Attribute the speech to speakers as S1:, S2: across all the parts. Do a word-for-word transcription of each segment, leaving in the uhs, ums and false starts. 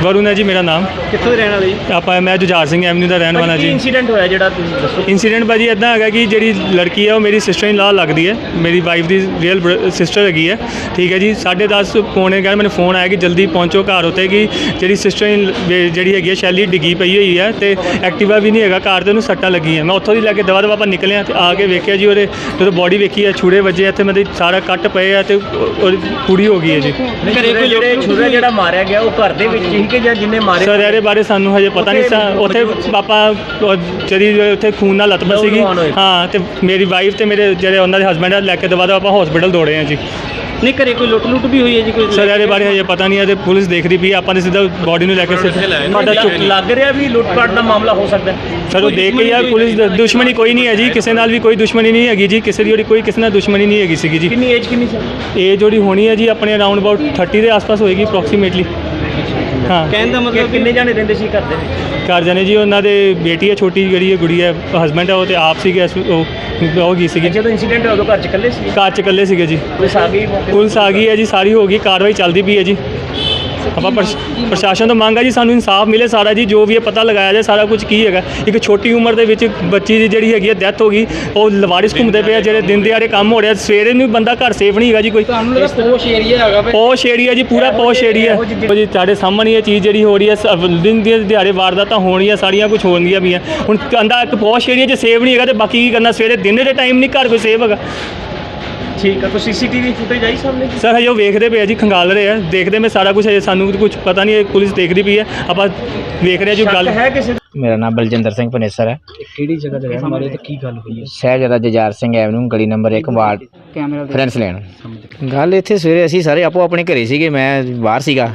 S1: वरुण है जी मेरा नाम।
S2: ਕਿੱਥੋਂ ਦੇ ਰਹਿਣ ਵਾਲੇ ਜੀ?
S1: ਆਪਾਂ ਮੈਂ ਜੁਝਾਰ ਸਿੰਘ ਐਵਨਿਊ ਦਾ ਰਹਿਣ ਵਾਲਾ
S2: ਕੀ
S1: ਜੀ।
S2: ਇਨਸੀਡੈਂਟ ਹੋਇਆ ਜਿਹੜਾ ਤੁਸੀਂ ਦੱਸੋ?
S1: ਇੰਸੀਡੈਂਟ ਭਾਜੀ ਇੱਦਾਂ ਹੈਗਾ ਕਿ ਜਿਹੜੀ ਲੜਕੀ ਹੈ ਉਹ ਮੇਰੀ ਸਿਸਟਰ ਇਨ ਲਾ ਲੱਗਦੀ ਹੈ, ਮੇਰੀ ਵਾਈਫ ਦੀ ਰੀਅਲ ਸਿਸਟਰ ਹੈਗੀ ਹੈ। ਠੀਕ ਹੈ ਜੀ, ਸਾਢੇ ਦਸ ਪੌਣੇ ਘਰ ਮੈਨੂੰ ਫੋਨ ਆਇਆ ਕਿ ਜਲਦੀ ਪਹੁੰਚੋ ਘਰ ਉੱਤੇ ਕਿ ਜਿਹੜੀ ਸਿਸਟਰ ਇਨ ਜਿਹੜੀ ਹੈਗੀ ਹੈ ਸ਼ੈਲੀ ਡਿੱਗੀ ਪਈ ਹੋਈ ਹੈ ਅਤੇ ਐਕਟਿਵਾ ਵੀ ਨਹੀਂ ਹੈਗਾ ਘਰ, ਅਤੇ ਉਹਨੂੰ ਸੱਟਾਂ ਲੱਗੀਆਂ। ਮੈਂ ਉੱਥੋਂ ਦੀ ਲੈ ਕੇ ਦਵਾ ਦਵਾ ਆਪਾਂ ਨਿਕਲੇ ਅਤੇ ਆ ਕੇ ਵੇਖਿਆ ਜੀ ਉਹਦੇ ਜਦੋਂ ਬੋਡੀ ਵੇਖੀ ਹੈ ਛੁਰੇ ਵੱਜੇ ਇੱਥੇ ਮਤਲਬ ਸਾਰਾ ਕੱਟ ਪਏ ਆ ਅਤੇ ਉਹਦੀ ਪੂਰੀ ਹੋ ਗਈ ਹੈ ਜੀ।
S2: ਘਰੇ ਕੋਈ ਜਿਹੜੇ ਛੁਰਾ ਜਿਹੜਾ ਮਾਰਿਆ ਗਿਆ ਉਹ ਘਰ ਦੇ ਵਿੱਚ ਹੀ ਕਿ ਜਾਂ ਜਿੰਨੇ ਮਾਰੇ?
S1: ਸਰ ਇਹਦੇ ਬਾਰੇ ਸਾਨੂੰ ਹਜੇ ਪਤਾ ਨਹੀਂ ਸਾ। ਉੱਥੇ ਪਾਪਾ ਜਿਹੜੀ ਉੱਥੇ ਖੂਨ ਨਾਲ ਲੱਤ ਸੀਗੀ ਹਾਂ, ਅਤੇ ਮੇਰੀ ਵਾਈਫ ਅਤੇ ਮੇਰੇ ਜਿਹੜੇ ਉਹਨਾਂ ਦੇ ਹਸਬੈਂਡ ਆ ਲੈ ਕੇ ਦਵਾ ਦਵਾ ਆਪਾਂ ਹਸਪੀਟਲ ਦੌੜੇ ਹਾਂ ਜੀ।
S2: ਨਹੀਂ ਘਰੇ ਕੋਈ ਲੁੱਟ ਲੁੱਟ ਵੀ ਹੋਈ ਹੈ ਜੀ ਕੋਈ?
S1: ਸਰ ਇਹਦੇ ਬਾਰੇ ਹਜੇ ਪਤਾ ਨਹੀਂ ਹੈ ਅਤੇ ਪੁਲਿਸ ਦੇਖ ਰਹੀ ਵੀ ਆਪਾਂ ਨੇ ਸਿੱਧਾ ਬੋਡੀ ਨੂੰ ਲੈ ਕੇ ਸਾਡਾ ਚੁੱਕ
S2: ਲੱਗ ਰਿਹਾ ਵੀ ਲੁੱਟਪਾਟ ਦਾ ਮਾਮਲਾ ਹੋ ਸਕਦਾ
S1: ਸਰ। ਉਹ ਦੇਖ ਕੇ ਯਾਰ ਪੁਲਿਸ ਦੁਸ਼ਮਣੀ ਕੋਈ ਨਹੀਂ ਹੈ ਜੀ, ਕਿਸੇ ਨਾਲ ਵੀ ਕੋਈ ਦੁਸ਼ਮਣੀ ਨਹੀਂ ਹੈਗੀ ਜੀ, ਕਿਸੇ ਦੀ ਜਿਹੜੀ ਕੋਈ ਕਿਸੇ ਨਾਲ ਦੁਸ਼ਮਣੀ ਨਹੀਂ ਹੈਗੀ ਸੀਗੀ ਜੀ।
S2: ਕਿੰਨੀ ਏਜ ਕਿੰਨੀ ਸੀ?
S1: ਏਜ ਜਿਹੜੀ ਹੋਣੀ ਹੈ ਜੀ ਆਪਣੇ ਅਰਾਊਂਡ ਅਬਾਊਟ ਥਰਟੀ ਦੇ ਆਸ-ਪਾਸ ਹੋਏਗੀ ਅਪਰੋਕਸੀਮੇਟਲੀ। ਹਾਂ,
S2: ਕਹਿਣ ਦਾ ਮਤਲਬ ਕਿੰਨੇ ਜਾਣੇ ਰਹਿੰਦੇ ਸੀ ਘਰ ਦੇ ਵਿੱਚ?
S1: ਘਰ ਜਾਣੇ ਜੀ ਉਹਨਾਂ ਦੇ ਬੇਟੀ ਹੈ ਛੋਟੀ ਜਿਹੜੀ ਹੈ ਗੁੜੀ ਹੈ, ਹਸਬੈਂਡ ਹੈ ਉਹ ਤੇ ਆਪ ਸੀਗੇ, ਉਹ ਉਹ ਗਈ ਸੀਗੀ।
S2: ਜਦੋਂ ਇਨਸੀਡੈਂਟ ਹੋਇਆ ਉਦੋਂ ਘਰ ਚ ਇਕੱਲੇ ਸੀ?
S1: ਘਰ 'ਚ ਇਕੱਲੇ ਸੀਗੇ ਜੀ।
S2: ਪੁਲਿਸ ਆ ਗਈ?
S1: ਪੁਲਿਸ ਆ ਗਈ ਹੈ ਜੀ, ਸਾਰੀ ਹੋ ਗਈ, ਕਾਰਵਾਈ ਚੱਲਦੀ ਪਈ ਹੈ ਜੀ। ਆਪਾਂ ਪ੍ਰਸ਼ਾਸਨ ਤੋਂ ਮੰਗ ਹੈ ਜੀ ਸਾਨੂੰ ਇਨਸਾਫ ਮਿਲੇ ਸਾਰਾ ਜੀ, ਜੋ ਵੀ ਇਹ ਪਤਾ ਲਗਾਇਆ ਜਾਏ ਸਾਰਾ ਕੁਝ ਕੀ ਹੈਗਾ। ਇੱਕ ਛੋਟੀ ਉਮਰ ਦੇ ਵਿੱਚ ਬੱਚੀ ਦੀ ਜਿਹੜੀ ਹੈਗੀ ਹੈ ਡੈਥ ਹੋ ਗਈ, ਉਹ ਲਵਾਰਿਸ ਘੁੰਮਦੇ ਪਏ ਆ ਜਿਹੜੇ ਦਿਨ ਦਿਹਾੜੇ ਕੰਮ ਹੋ ਰਿਹਾ, ਸਵੇਰੇ ਨੂੰ ਬੰਦਾ ਘਰ ਸੇਫ ਨਹੀਂ ਹੈਗਾ ਜੀ। ਕੋਈ
S2: ਤੁਹਾਨੂੰ ਲੱਗਾ ਪੋਸ਼ ਏਰੀਆ ਹੈਗਾ?
S1: ਪੋਸ਼ ਏਰੀਆ ਜੀ, ਪੂਰਾ ਪੋਸ਼ ਏਰੀਆ ਜੀ। ਤੁਹਾਡੇ ਸਾਹਮਣੇ ਇਹ ਚੀਜ਼ ਜਿਹੜੀ ਹੋ ਰਹੀ ਹੈ, ਦਿਨ ਦੇ ਦਿਹਾੜੇ ਵਾਰਦਾਤਾਂ ਹੋਣੀਆਂ ਸਾਰੀਆਂ ਕੁਝ ਹੋਣਗੀਆਂ ਵੀ ਆ। ਹੁਣ ਕਹਿੰਦਾ ਇੱਕ ਪੋਸ਼ ਏਰੀਆ 'ਚ ਸੇਫ ਨਹੀਂ ਹੈਗਾ ਅਤੇ ਬਾਕੀ ਕੀ ਕਰਨਾ, ਸਵੇਰੇ ਦਿਨ ਦੇ ਟਾਈਮ ਨਹੀਂ ਘਰ ਕੋਈ ਸੇਫ ਹੈਗਾ।
S2: ਠੀਕ ਹੈ, ਕੋਈ ਸੀਸੀਟੀਵੀ ਫੁਟੇਜ ਆਈ ਸਾਹਮਣੇ?
S1: ਸਰ ਹਜੇ ਉਹ ਵੇਖਦੇ ਪਏ ਆ ਜੀ, ਖੰਗਾਲ ਰਹੇ ਆ, ਦੇਖਦੇ ਮੈਂ ਸਾਰਾ ਕੁਝ ਹਜੇ ਸਾਨੂੰ ਕੁਝ ਪਤਾ ਨਹੀਂ, ਪੁਲਿਸ ਦੇਖਦੀ ਪਈ ਹੈ, ਆਪਾਂ ਵੇਖ ਰਹੇ ਜੋ ਗੱਲ
S2: ਹੈ। ਕਿਸੇ
S3: ਮੇਰਾ ਨਾਮ ਬਲਜਿੰਦਰ ਸਿੰਘ ਪਨੇਸਰ ਹੈ।
S2: ਕਿਹੜੀ ਜਗ੍ਹਾ ਤੇ ਰਹਿਣ ਵਾਲੇ ਤੇ ਕੀ ਗੱਲ ਹੋਈ ਹੈ?
S3: ਸਾਹਿਬਜ਼ਾਦਾ ਜੁਝਾਰ ਸਿੰਘ ਐਵਨਿਊ ਗਲੀ ਨੰਬਰ ਇੱਕ ਵਾਰਡ ਫਰੈਂਡਸ ਲੈਣ। ਗੱਲ ਇੱਥੇ ਸਵੇਰੇ ਅਸੀਂ ਸਾਰੇ ਆਪੋ ਆਪਣੇ ਘਰੇ ਸੀਗੇ, ਮੈਂ ਬਾਹਰ ਸੀਗਾ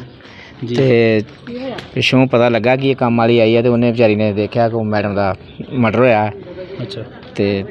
S3: ਅਤੇ ਪਿੱਛੋਂ ਪਤਾ ਲੱਗਾ ਕਿ ਇਹ ਕੰਮ ਵਾਲੀ ਆਈ ਹੈ ਅਤੇ ਉਹਨੇ ਵਿਚਾਰੀ ਨੇ ਦੇਖਿਆ ਕਿ ਮੈਡਮ ਦਾ ਮਰਡਰ ਹੋਇਆ।
S2: ਅੱਛਾ।
S3: ਅਤੇ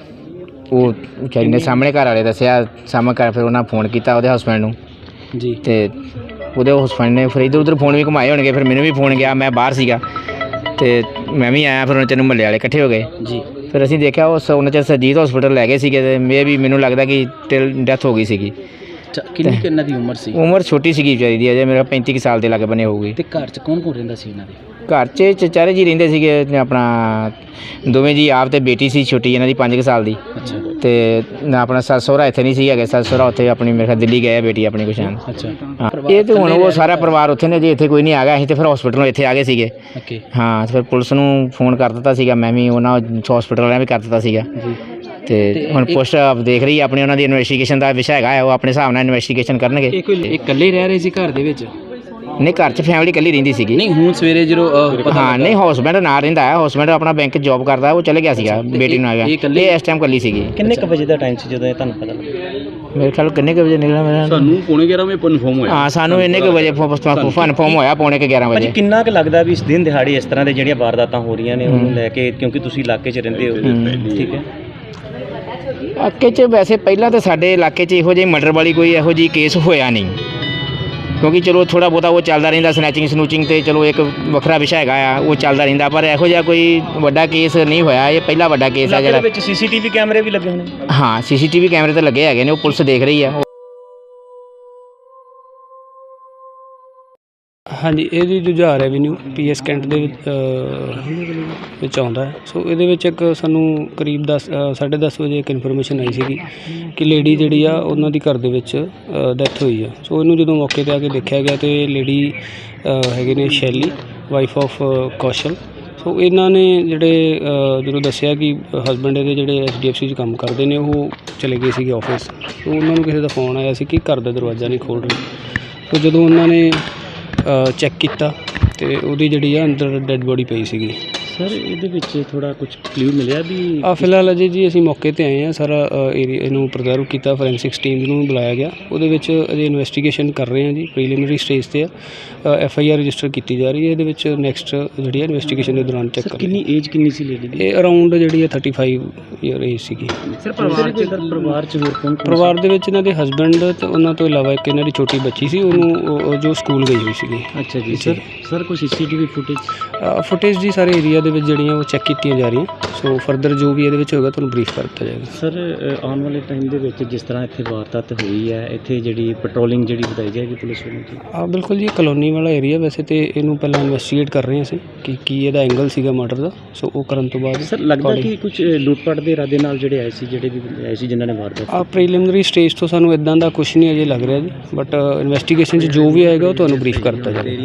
S3: ਉਹ ਵਿਚਾਰੀ ਨੇ ਸਾਹਮਣੇ ਘਰ ਵਾਲੇ ਦੱਸਿਆ, ਸਾਹਮਣੇ ਘਰ ਫਿਰ ਉਹਨਾਂ ਫੋਨ ਕੀਤਾ ਉਹਦੇ ਹਸਬੈਂਡ ਨੂੰ
S2: ਜੀ, ਅਤੇ
S3: ਉਹਦੇ ਹਸਬੈਂਡ ਨੇ ਫਿਰ ਇੱਧਰ ਉੱਧਰ ਫੋਨ ਵੀ ਘੁਮਾਏ ਹੋਣਗੇ, ਫਿਰ ਮੈਨੂੰ ਵੀ ਫੋਨ ਗਿਆ, ਮੈਂ ਬਾਹਰ ਸੀਗਾ ਅਤੇ ਮੈਂ ਵੀ ਆਇਆ। ਫਿਰ ਉਹਨਾਂ ਚਿਰ ਮਹੱਲੇ ਵਾਲੇ ਇਕੱਠੇ ਹੋ ਗਏ ਜੀ। ਫਿਰ ਅਸੀਂ ਦੇਖਿਆ ਉਸ ਉਹਨਾਂ ਚਿਰ ਸਰਜੀਤ ਹਸਪੀਟਲ ਲੈ ਗਏ ਸੀਗੇ ਅਤੇ ਮੇ ਵੀ ਮੈਨੂੰ ਲੱਗਦਾ ਕਿ ਟਿਲ ਡੈਥ ਹੋ ਗਈ ਸੀਗੀ।
S2: ਕਿੰਨੀ ਕਿੰਨਾ ਦੀ ਉਮਰ ਸੀ?
S3: ਉਮਰ ਛੋਟੀ ਸੀਗੀ ਵਿਚਾਰੀ ਦੀ, ਅਜੇ ਮੇਰਾ ਪੈਂਤੀ ਕੁ ਸਾਲ ਦੇ ਲਾਗੇ ਬਣੇ ਹੋਊਗੀ।
S2: ਅਤੇ ਘਰ 'ਚ ਕੌਣ ਕੌਣ ਰਹਿੰਦਾ ਸੀ ਇਹਨਾਂ ਦੇ?
S3: ਘਰ 'ਚ ਚਚਾਰੇ ਜੀ ਰਹਿੰਦੇ ਸੀਗੇ, ਆਪਣਾ ਦੋਵੇਂ ਜੀ ਆਪ ਅਤੇ ਬੇਟੀ ਸੀ ਛੋਟੀ ਇਹਨਾਂ ਦੀ ਪੰਜ ਕੁ ਸਾਲ ਦੀ।
S2: ਅੱਛਾ।
S3: ਅਤੇ ਆਪਣਾ ਸੱਸ ਸਹੁਰਾ ਇੱਥੇ ਨਹੀਂ ਸੀ ਹੈਗੇ, ਸੱਸ ਸਹੁਰਾ ਉੱਥੇ ਆਪਣੀ ਮੇਰੇ ਖਿਆਲ ਦਿੱਲੀ ਗਏ ਆ ਬੇਟੀ ਆਪਣੀ ਕੁਛ।
S2: ਅੱਛਾ।
S3: ਹਾਂ, ਇਹ ਤਾਂ ਹੁਣ ਉਹ ਸਾਰਾ ਪਰਿਵਾਰ ਉੱਥੇ ਨੇ ਜੀ, ਇੱਥੇ ਕੋਈ ਨਹੀਂ ਆ ਗਿਆ। ਅਸੀਂ ਤਾਂ ਫਿਰ ਹਸਪੀਟਲੋਂ ਇੱਥੇ ਆ ਗਏ ਸੀਗੇ।
S2: ਓਕੇ।
S3: ਹਾਂ, ਫਿਰ ਪੁਲਿਸ ਨੂੰ ਫੋਨ ਕਰ ਦਿੱਤਾ ਸੀਗਾ, ਮੈਂ ਵੀ ਉਹਨਾਂ ਹਸਪੀਟਲ ਵਾਲਿਆਂ ਵੀ ਕਰ ਦਿੱਤਾ ਸੀਗਾ। ਅਤੇ ਹੁਣ ਪੁਲਿਸ ਦੇਖ ਰਹੀ ਆਪਣੀ, ਉਹਨਾਂ ਦੀ ਇਨਵੈਸਟੀਗੇਸ਼ਨ ਦਾ ਵਿਸ਼ਾ ਹੈਗਾ, ਉਹ ਆਪਣੇ ਹਿਸਾਬ ਨਾਲ ਇਨਵੈਸਟੀਗੇਸ਼ਨ ਕਰਨਗੇ।
S2: ਇਹ ਕੋਈ ਇਕੱਲੇ ਰਹਿ ਰਹੇ ਸੀ ਘਰ ਦੇ ਵਿੱਚ?
S3: ਨਹੀਂ, ਘਰ 'ਚ ਫੈਮਿਲੀ ਇਕੱਲੀ ਰਹਿੰਦੀ ਸੀਗੀ।
S2: ਨਹੀਂ, ਹੁਣ ਸਵੇਰੇ ਜਦੋਂ
S3: ਹਾਂ, ਨਹੀਂ ਹਸਬੈਂਡ ਨਾਲ ਰਹਿੰਦਾ ਹੈ, ਹਸਬੈਂਡ ਆਪਣਾ ਬੈਂਕ 'ਚ ਜੋਬ ਕਰਦਾ, ਉਹ ਚਲੇ ਗਿਆ ਸੀਗਾ, ਬੇਟੀ ਨੂੰ ਆ ਗਿਆ। ਇਹ ਇਸ ਟਾਈਮ ਇਕੱਲੀ ਸੀਗੀ।
S2: ਕਿੰਨੇ ਕੁ ਵਜੇ ਦਾ ਟਾਈਮ ਸੀ ਜਦੋਂ ਇਹ ਤੁਹਾਨੂੰ ਪਤਾ ਲੱਗਾ?
S3: ਮੇਰੇ ਖਿਆਲ ਕਿੰਨੇ ਕੁ ਵਜੇ ਨਿਕਲਿਆ ਮੇਰਾ?
S4: ਸਾਨੂੰ ਪੌਣੇ ਗਿਆਰਾਂ ਵਜੇ ਕਨਫਰਮ ਹੋਇਆ।
S3: ਹਾਂ, ਸਾਨੂੰ ਇੰਨੇ ਕੁ ਵਜੇ ਕਨਫਰਮ ਹੋਇਆ, ਪੌਣੇ ਕੁ ਗਿਆਰਾਂ ਵਜੇ।
S2: ਕਿੰਨਾ ਕੁ ਲੱਗਦਾ ਵੀ ਇਸ ਦਿਨ ਦਿਹਾੜੇ ਇਸ ਤਰ੍ਹਾਂ ਦੇ ਜਿਹੜੀਆਂ ਵਾਰਦਾਤਾਂ ਹੋ ਰਹੀਆਂ ਨੇ ਉਹਨੂੰ ਲੈ ਕੇ, ਕਿਉਂਕਿ ਤੁਸੀਂ ਇਲਾਕੇ 'ਚ ਰਹਿੰਦੇ ਹੋ? ਠੀਕ ਹੈ।
S3: ਇਲਾਕੇ 'ਚ ਵੈਸੇ ਪਹਿਲਾਂ ਤਾਂ ਸਾਡੇ ਇਲਾਕੇ 'ਚ ਇਹੋ ਜਿਹੀ ਮਰਡਰ ਵਾਲੀ ਕੋਈ ਇਹੋ ਜਿਹੀ ਕੇਸ ਹੋਇਆ ਨਹੀਂ, ਕਿਉਂਕਿ ਚਲੋ ਥੋੜ੍ਹਾ ਬਹੁਤਾ ਉਹ ਚੱਲਦਾ ਰਹਿੰਦਾ, ਸਨੈਚਿੰਗ ਸਨੂਚਿੰਗ ਅਤੇ ਚਲੋ ਇੱਕ ਵੱਖਰਾ ਵਿਸ਼ਾ ਹੈਗਾ ਆ, ਉਹ ਚੱਲਦਾ ਰਹਿੰਦਾ, ਪਰ ਇਹੋ ਜਿਹਾ ਕੋਈ ਵੱਡਾ ਕੇਸ ਨਹੀਂ ਹੋਇਆ। ਇਹ ਪਹਿਲਾ ਵੱਡਾ ਕੇਸ ਆ ਜਿਹੜਾ।
S2: ਵਿੱਚ ਸੀਸੀਟੀਵੀ ਕੈਮਰੇ ਵੀ ਲੱਗੇ ਹੋਣੇ?
S3: ਹਾਂ, ਸੀਸੀਟੀਵੀ ਕੈਮਰੇ ਤਾਂ ਲੱਗੇ ਹੈਗੇ ਨੇ, ਉਹ ਪੁਲਿਸ ਦੇਖ ਰਹੀ ਆ।
S5: ਹਾਂਜੀ, ਇਹਦੀ Jujhar avenue P S cantt ਦੇ ਵਿੱਚ ਆਉਂਦਾ ਹੈ। ਸੋ ਇਹਦੇ ਵਿੱਚ ਇੱਕ ਸਾਨੂੰ ਕਰੀਬ ਦਸ ਸਾਢੇ ਦਸ ਵਜੇ ਇੱਕ ਇਨਫੋਰਮੇਸ਼ਨ ਆਈ ਸੀਗੀ ਕਿ ਲੇਡੀ ਜਿਹੜੀ ਆ ਉਹਨਾਂ ਦੀ ਘਰ ਦੇ ਵਿੱਚ ਡੈਥ ਹੋਈ ਆ। ਸੋ ਇਹਨੂੰ ਜਦੋਂ ਮੌਕੇ 'ਤੇ ਆ ਕੇ ਦੇਖਿਆ ਗਿਆ ਅਤੇ ਲੇਡੀ ਹੈਗੇ ਨੇ ਸ਼ੈਲੀ, ਵਾਈਫ ਆਫ ਕੌਸ਼ਲ। ਸੋ ਇਹਨਾਂ ਨੇ ਜਿਹੜੇ ਜਦੋਂ ਦੱਸਿਆ ਕਿ ਹਸਬੈਂਡ ਇਹਦੇ ਜਿਹੜੇ ਐਚ ਡੀ ਐਫ ਸੀ 'ਚ ਕੰਮ ਕਰਦੇ ਨੇ, ਉਹ ਚਲੇ ਗਏ ਸੀਗੇ ਆਫਿਸ। ਸੋ ਉਹਨਾਂ ਨੂੰ ਕਿਸੇ ਦਾ ਫੋਨ ਆਇਆ ਸੀ ਕਿ ਘਰ ਦਾ ਦਰਵਾਜ਼ਾ ਨਹੀਂ ਖੋਲ੍ਹ ਰਹੇ। ਸੋ ਜਦੋਂ ਉਹਨਾਂ ਨੇ ਚੈੱਕ ਕੀਤਾ ਅਤੇ ਉਹਦੀ ਜਿਹੜੀ ਆ ਅੰਦਰ ਡੈੱਡ ਬੋਡੀ ਪਈ ਸੀਗੀ।
S2: ਸਰ, ਇਹਦੇ ਵਿੱਚ ਥੋੜ੍ਹਾ ਕੁਛ ਕਲਿਊ ਮਿਲਿਆ ਵੀ?
S5: ਆ ਫਿਲਹਾਲ ਅਜੇ ਜੀ ਅਸੀਂ ਮੌਕੇ 'ਤੇ ਆਏ ਹਾਂ, ਸਾਰਾ ਏਰੀਆ ਇਹਨੂੰ ਪ੍ਰੀਜ਼ਰਵ ਕੀਤਾ, ਫੋਰੈਂਸਿਕਸ ਟੀਮ ਨੂੰ ਬੁਲਾਇਆ ਗਿਆ। ਉਹਦੇ ਵਿੱਚ ਅਜੇ ਇਨਵੈਸਟੀਗੇਸ਼ਨ ਕਰ ਰਹੇ ਹਾਂ ਜੀ, ਪ੍ਰੀਲਿਮਿਨਰੀ ਸਟੇਜ 'ਤੇ ਆ। ਐਫ ਆਈ ਆਰ ਰਜਿਸਟਰ ਕੀਤੀ ਜਾ ਰਹੀ ਹੈ। ਇਹਦੇ ਵਿੱਚ ਨੈਕਸਟ ਜਿਹੜੀ ਹੈ ਇਨਵੈਸਟੀਗੇਸ਼ਨ ਦੇ ਦੌਰਾਨ ਚੈੱਕ ਕਰ।
S2: ਕਿੰਨੀ ਏਜ ਕਿੰਨੀ ਸੀ ਲੇਡੀ ਦੀ?
S5: ਇਹ ਅਰਾਊਂਡ ਜਿਹੜੀ ਹੈ ਥਰਟੀ ਫਾਈਵ ਈਅਰ ਏਜ ਸੀਗੀ।
S2: ਸਰ, ਪਰਿਵਾਰ 'ਚ ਪਰਿਵਾਰ 'ਚ ਹੋਰ ਕੌਣ?
S5: ਪਰਿਵਾਰ ਦੇ ਵਿੱਚ ਇਹਨਾਂ ਦੇ ਹਸਬੈਂਡ ਅਤੇ ਉਹਨਾਂ ਤੋਂ ਇਲਾਵਾ ਇੱਕ ਇਹਨਾਂ ਦੀ ਛੋਟੀ ਬੱਚੀ ਸੀ, ਉਹਨੂੰ ਜੋ ਸਕੂਲ ਗਈ ਹੋਈ ਸੀਗੀ।
S2: ਅੱਛਾ ਜੀ। ਸਰ ਸਰ ਕੋਈ C C T V footage?
S5: Footage ਜੀ ਸਾਰੇ ਏਰੀਆ ਦੇ ਦੇ ਵਿੱਚ ਜਿਹੜੀਆਂ ਉਹ ਚੈੱਕ ਕੀਤੀਆਂ ਜਾ ਰਹੀਆਂ। ਸੋ ਫਰਦਰ ਜੋ ਵੀ ਇਹਦੇ ਵਿੱਚ ਹੋਏਗਾ ਤੁਹਾਨੂੰ ਬਰੀਫ ਕਰ ਦਿੱਤਾ ਜਾਏਗਾ।
S2: ਸਰ ਆਉਣ ਵਾਲੇ ਟਾਈਮ ਦੇ ਵਿੱਚ ਜਿਸ ਤਰ੍ਹਾਂ ਇੱਥੇ ਵਾਰਦਾਤ ਹੋਈ ਹੈ, ਇੱਥੇ ਜਿਹੜੀ ਪੈਟਰੋਲਿੰਗ ਜਿਹੜੀ ਵਧਾਈ ਜਾਏਗੀ ਪੁਲਿਸ ਵੱਲੋਂ ਜੀ?
S5: ਆ ਬਿਲਕੁਲ ਜੀ, ਕਲੋਨੀ ਵਾਲਾ ਏਰੀਆ ਵੈਸੇ ਤੇ ਇਹਨੂੰ ਪਹਿਲਾਂ ਇਨਵੈਸਟੀਗੇਟ ਕਰ ਰਹੇ ਹਾਂ ਅਸੀਂ ਕਿ ਕੀ ਇਹਦਾ ਐਂਗਲ ਸੀਗਾ ਮਰਡਰ ਦਾ। ਸੋ ਉਹ ਕਰਨ ਤੋਂ ਬਾਅਦ
S2: ਸਰ ਲੱਗਦਾ ਕਿ ਕੁਝ ਲੁੱਟਪਟ ਦੇ ਇਰਾਦੇ ਨਾਲ ਜਿਹੜੇ ਆਏ ਸੀ, ਜਿਹੜੇ ਵੀ ਆਏ ਸੀ ਜਿਨ੍ਹਾਂ ਨੇ ਵਾਰਦਾਤ
S5: ਆ ਪ੍ਰੀਲਿਮਿਨਰੀ ਸਟੇਜ ਤੋਂ ਸਾਨੂੰ ਇਦਾਂ ਦਾ ਕੁਝ ਨਹੀਂ ਅਜੇ ਲੱਗ ਰਿਹਾ ਜੀ, ਬਟ ਇਨਵੈਸਟੀਗੇਸ਼ਨ 'ਚ ਜੋ ਵੀ ਆਏਗਾ ਉਹ ਤੁਹਾਨੂੰ ਬਰੀਫ ਕਰ ਦਿੱਤਾ ਜਾਏਗਾ।